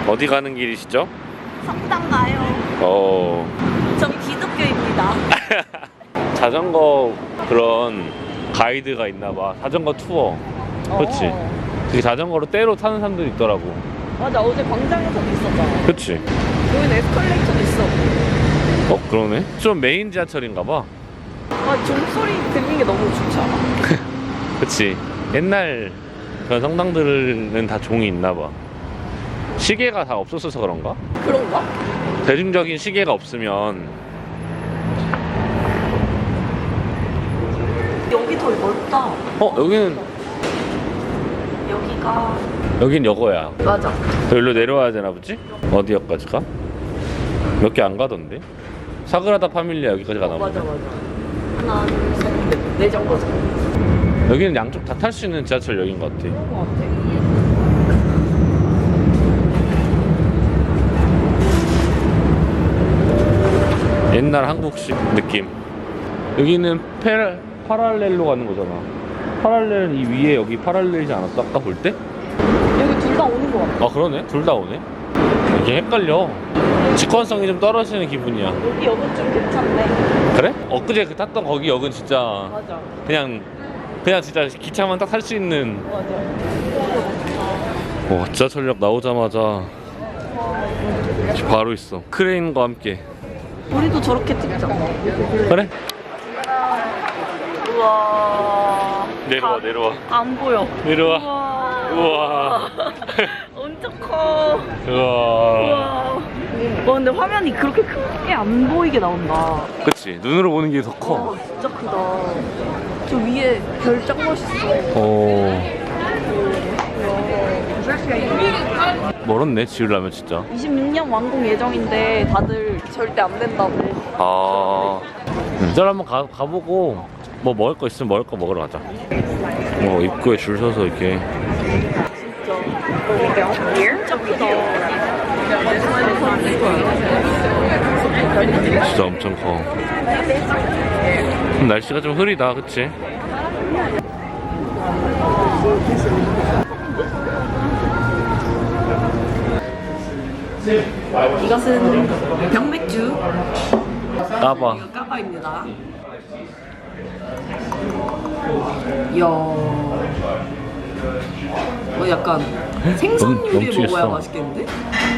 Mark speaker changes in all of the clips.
Speaker 1: 어디 가는 길이시죠?
Speaker 2: 성당 가요. 전 기독교입니다.
Speaker 1: 자전거 그런 가이드가 있나봐. 자전거 투어. 그렇지. 그 자전거로 때로 타는 사람들이 있더라고.
Speaker 2: 맞아, 어제 광장에서도 있었잖아.
Speaker 1: 그치.
Speaker 2: 여기는 에스컬레이터도 있어.
Speaker 1: 그러네. 좀 메인 지하철인가봐.
Speaker 2: 아, 종소리 들리는 게 너무 좋지 않아?
Speaker 1: 그치. 옛날 그런 성당들은 다 종이 있나봐. 시계가 다 없었어서 그런가?
Speaker 2: 그런가?
Speaker 1: 대중적인 시계가 없으면.
Speaker 2: 여기 더 넓다.
Speaker 1: 여긴 여거야.
Speaker 2: 맞아.
Speaker 1: 여기로 내려와야 되나 보지? 어디 역까지 가? 몇 개 안 가던데? 사그라다 파밀리아 여기까지 가나 보네.
Speaker 2: 맞아. 하나, 둘, 셋, 네 정거장.
Speaker 1: 여기는 양쪽 다 탈 수 있는 지하철역인 것 같아.
Speaker 2: 그런 거 같아.
Speaker 1: 옛날 한국식 느낌. 여기는 파랄렐로 가는 거잖아. 파랄렐 이 위에 여기 파랄렐이지 않았어? 아까 볼 때?
Speaker 2: 여기 둘 다 오는 거 같아.
Speaker 1: 아 그러네? 둘 다 오네? 이게 헷갈려. 직관성이 좀 떨어지는 기분이야.
Speaker 2: 여기 역은 좀 괜찮네.
Speaker 1: 그래? 엊그제 그 탔던 거기 역은 진짜
Speaker 2: 맞아.
Speaker 1: 그냥 진짜 기차만 딱 탈 수 있는.
Speaker 2: 맞아.
Speaker 1: 지하철역 나오자마자 바로 있어. 크레인과 함께.
Speaker 2: 우리도 저렇게 찍자.
Speaker 1: 그래?
Speaker 2: 우와.
Speaker 1: 내려와.
Speaker 2: 안 보여.
Speaker 1: 내려와. 우와.
Speaker 2: 엄청 커.
Speaker 1: 우와.
Speaker 2: 근데 화면이 그렇게 크게 안 보이게 나온다.
Speaker 1: 그치. 눈으로 보는 게 더 커.
Speaker 2: 진짜 크다. 저 위에 별 짱 멋있어.
Speaker 1: 멀었네 지으려면 진짜.
Speaker 2: 26년 완공 예정인데 다들 절대 안 된다고.
Speaker 1: 저를 한번 가보고 뭐 먹을 거 있으면 먹을 거 먹으러 가자. 입구에 줄 서서 이렇게.
Speaker 2: 진짜 크다.
Speaker 1: 진짜 엄청 커. 날씨가 좀 흐리다, 그치?
Speaker 2: 이것은 병맥주.
Speaker 1: 까봐.
Speaker 2: 이거 까바입니다. 이야. 약간 생선 요리
Speaker 1: 넘치겠어.
Speaker 2: 먹어야 맛있겠는데?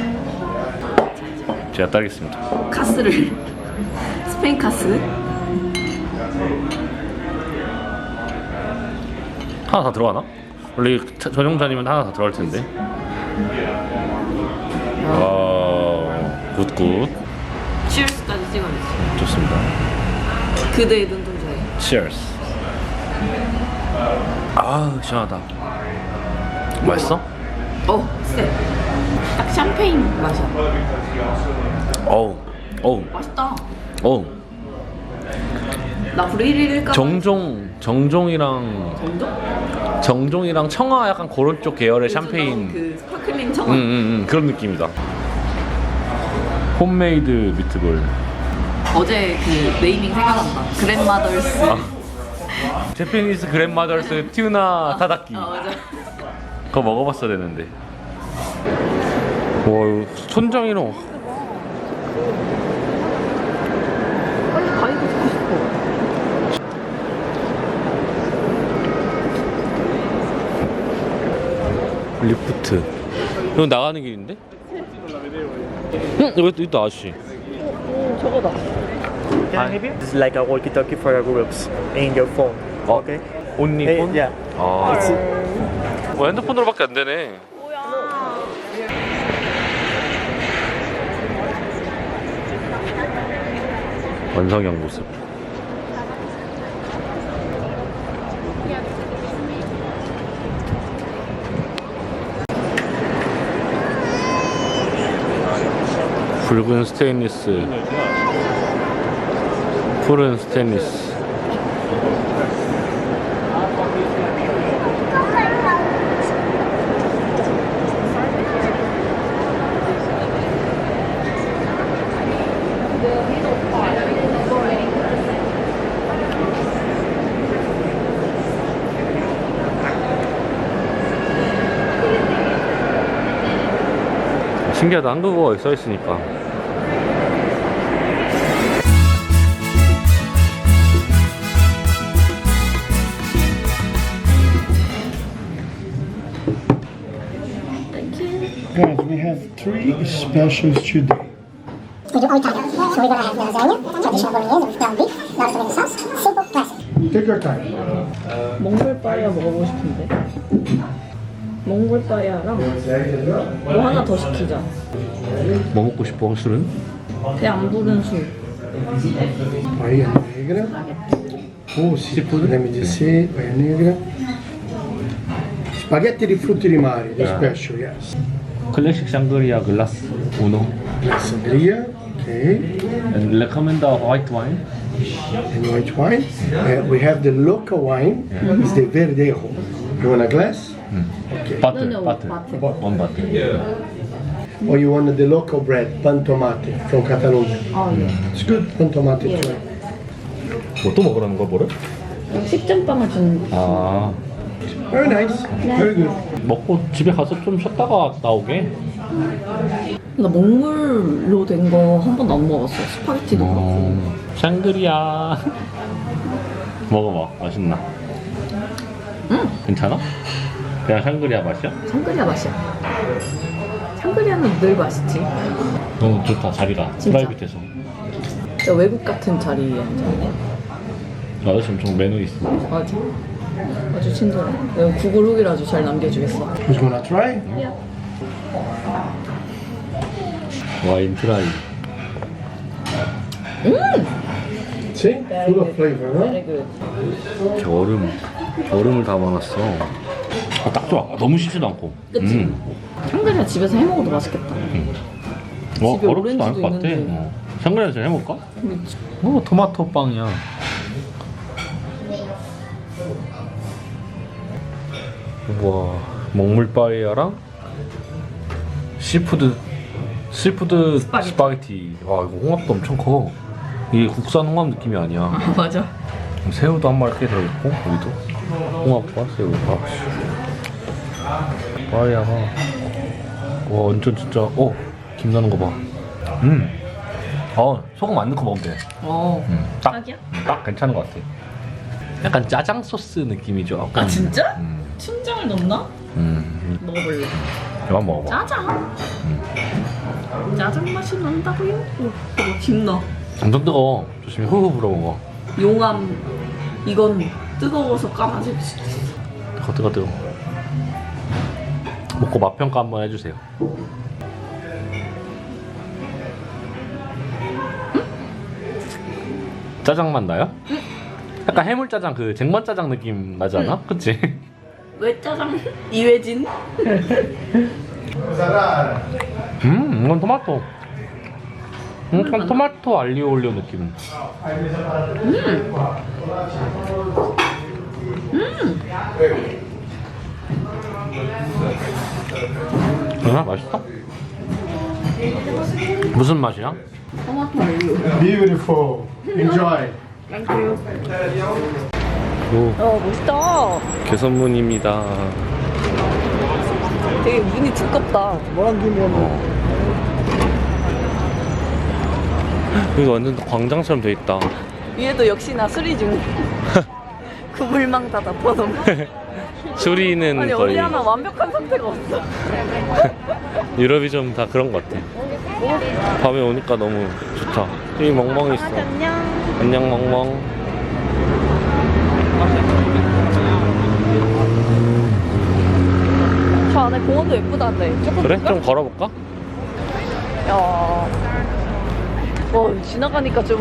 Speaker 1: 제가 따르겠습니다.
Speaker 2: 카스를 스페인 카스.
Speaker 1: 하나 다 들어가나? 원래 전용잔이면 하나 다 들어갈 텐데. 굿.
Speaker 2: 치얼스까지 찍어냈어.
Speaker 1: 좋습니다.
Speaker 2: 그대의 눈동자에.
Speaker 1: Cheers. 시원하다. 맛있어?
Speaker 2: 쎄. 딱 샴페인 맛이야.
Speaker 1: 어우.
Speaker 2: 맛있다.
Speaker 1: 어우.
Speaker 2: 나 브레일일까?
Speaker 1: 정종이랑 청아 약간 그런 쪽 계열의 샴페인.
Speaker 2: 그 스파클링 청아.
Speaker 1: 그런 느낌이다. 홈메이드 미트볼.
Speaker 2: 어제 그 네이밍 생각난다. 그랜마더스.
Speaker 1: 제페니스 그랜마더스 튜나 타다키.
Speaker 2: 맞아.
Speaker 1: 그거 먹어봤어야 되는데. 와, 이거 천장이랑.
Speaker 2: 빨리 가이드 듣고 싶어.
Speaker 1: 리프트. 이거 나가는 길인데? 여기 또 아저씨.
Speaker 2: 저거다.
Speaker 3: Can I help you? This is like a walkie-talkie for your groups in your phone. Okay.
Speaker 1: 온리폰?
Speaker 3: Yeah.
Speaker 1: 핸드폰으로밖에 안 되네.
Speaker 2: 뭐야.
Speaker 1: 완성형 모습. 붉은 스테인리스, 푸른 스테인리스. 신기하다. 한국어가 써 있으니까.
Speaker 4: Guys, we have 3 specials today.
Speaker 5: We do all Italian. So we're gonna have lasagna, traditional bolognese with ground beef, large tomato sauce, simple classic.
Speaker 4: Take your time.
Speaker 2: 몽골 빠이야 먹어보고 싶은데. 몽골 빠이야랑 뭐 하나 더 시키자.
Speaker 1: 뭐 먹고 싶어? 술은?
Speaker 2: 배 안 부른 술.
Speaker 4: Paella negra. Oh sì, let me just see. Paella negra. Spaghetti di frutti di mare, the special, yes.
Speaker 1: 클래식 샹그리아 글라스 우노.
Speaker 4: Sangria, okay.
Speaker 1: And recommend the white wine.
Speaker 4: And white wine. We have the local wine. It's the Verdejo. You want a glass?
Speaker 1: Butter,
Speaker 2: No,
Speaker 1: butter.
Speaker 2: butter.
Speaker 1: One butter.
Speaker 4: Or you want the local bread, pan tomate from Catalonia?
Speaker 2: 아 예.
Speaker 4: It's good, pan tomate too.
Speaker 1: 뭐 또 먹으라는 거야, 뭐를?
Speaker 2: 식전빵을 준.
Speaker 1: 아,
Speaker 4: Very nice, very good.
Speaker 1: 먹고 집에 가서 좀 쉬었다가 나오게.
Speaker 2: 나 몽골로 된 거 한 번도 안 먹어봤어. 스파게티도 그렇고.
Speaker 1: 샹그리아. 먹어봐, 맛있나? 괜찮아? 그냥 샹그리아 맛이야?
Speaker 2: 샹그리아 맛이야. 샹그리아는 늘 맛있지.
Speaker 1: 너무 좋다, 자리가.
Speaker 2: 진짜?
Speaker 1: 프라이빗해서.
Speaker 2: 진짜 외국 같은 자리에 앉았네.
Speaker 1: 아저씨 엄청 매너 있어.
Speaker 2: 맞아. 아주 친절해. 내가 구글 후기를 아주 잘 남겨주겠어.
Speaker 4: Who's gonna try?
Speaker 1: 와인 트라이.
Speaker 4: See? Full of flavor, huh?
Speaker 2: Very good.
Speaker 1: 얼음을 담아놨어. 아, 딱 좋아. 너무 씻지도 않고.
Speaker 2: 그치? 샹그리아 집에서 해먹어도 맛있겠다. 집에
Speaker 1: 어렵지도 않을 것 같아.
Speaker 2: 오렌지도
Speaker 1: 샹그리아에서 해먹을까?
Speaker 2: 그치.
Speaker 1: 토마토 빵이야. 우와, 먹물 빠에야랑 시푸드 스파게티. 와, 이거 홍합도 엄청 커. 이게 국산 홍합 느낌이 아니야.
Speaker 2: 아 맞아.
Speaker 1: 새우도 한 마리 꽤 들어있고, 여기도 홍합과 새우. 빠에야가 와, 완전 진짜. 김 나는 거 봐. 소금 안 넣고 먹으면 돼. 딱,
Speaker 2: 딱이야?
Speaker 1: 딱 괜찮은 것 같아. 약간 짜장 소스 느낌이죠. 약간.
Speaker 2: 아 진짜? 춘장을 넣나? 먹어볼래.
Speaker 1: 이만 먹어봐.
Speaker 2: 짜장. 짜장 맛이 난다고요? 김 넣어.
Speaker 1: 엄청 뜨거워. 조심히 후후 불어 먹어.
Speaker 2: 용암. 이건 뜨거워서 까마질 수 있어.
Speaker 1: 뜨거. 먹고 맛 평가 한번 해주세요. 짜장 맛 나요? 약간 해물 짜장, 그 쟁반 짜장 느낌 나지 않아? 그치?
Speaker 2: 왜 짜장? 이회진?
Speaker 1: 이건 토마토. 약간 토마토 알리오 올리오 느낌. 맛있어? 무슨 맛이야?
Speaker 2: 토마토 올리오.
Speaker 4: Beautiful. Enjoy.
Speaker 2: 멋있다.
Speaker 1: 개선문입니다.
Speaker 2: 되게 문이 두껍다.
Speaker 1: 여기 완전 광장처럼 돼 있다.
Speaker 2: 위에도 역시나 수리 중. 그물망 다 덮어놓은.
Speaker 1: 수리는
Speaker 2: 아니
Speaker 1: 거의
Speaker 2: 어디 하나 완벽한 상태가 없어.
Speaker 1: 유럽이 좀 다 그런 것 같아. 밤에 오니까 너무 좋다. 여기 멍멍이 있어.
Speaker 2: 안녕.
Speaker 1: 안녕 멍멍.
Speaker 2: 저 안에 공원도 예쁘다는데. 조금
Speaker 1: 그래?
Speaker 2: 볼까?
Speaker 1: 좀 걸어볼까?
Speaker 2: 야. 지나가니까 좀.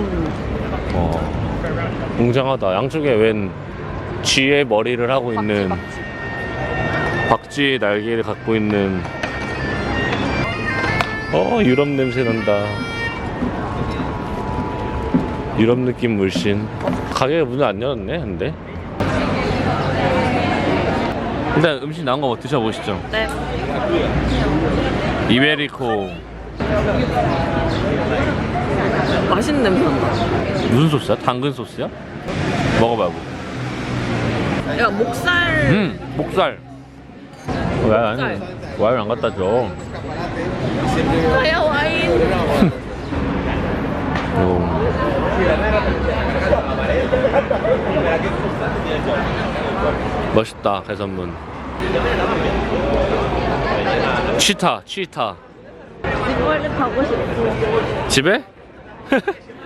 Speaker 1: 웅장하다. 양쪽에 웬 쥐의 머리를 하고 있는 박쥐의 날개를 갖고 있는. 유럽 냄새 난다. 유럽 느낌 물씬. 가게가 문을 안 열었네, 근데. 일단 음식 나온 거 드셔보시죠.
Speaker 2: 네.
Speaker 1: 이베리코.
Speaker 2: 맛있는 냄새 난다.
Speaker 1: 무슨 소스야? 당근 소스야? 먹어봐요.
Speaker 2: 야 목살.
Speaker 1: 목살. 왜 안 갖다 줘?
Speaker 2: 저야 와인.
Speaker 1: 멋있다 해산문. 치타.
Speaker 2: 이번에 가고 싶어.
Speaker 1: 집에?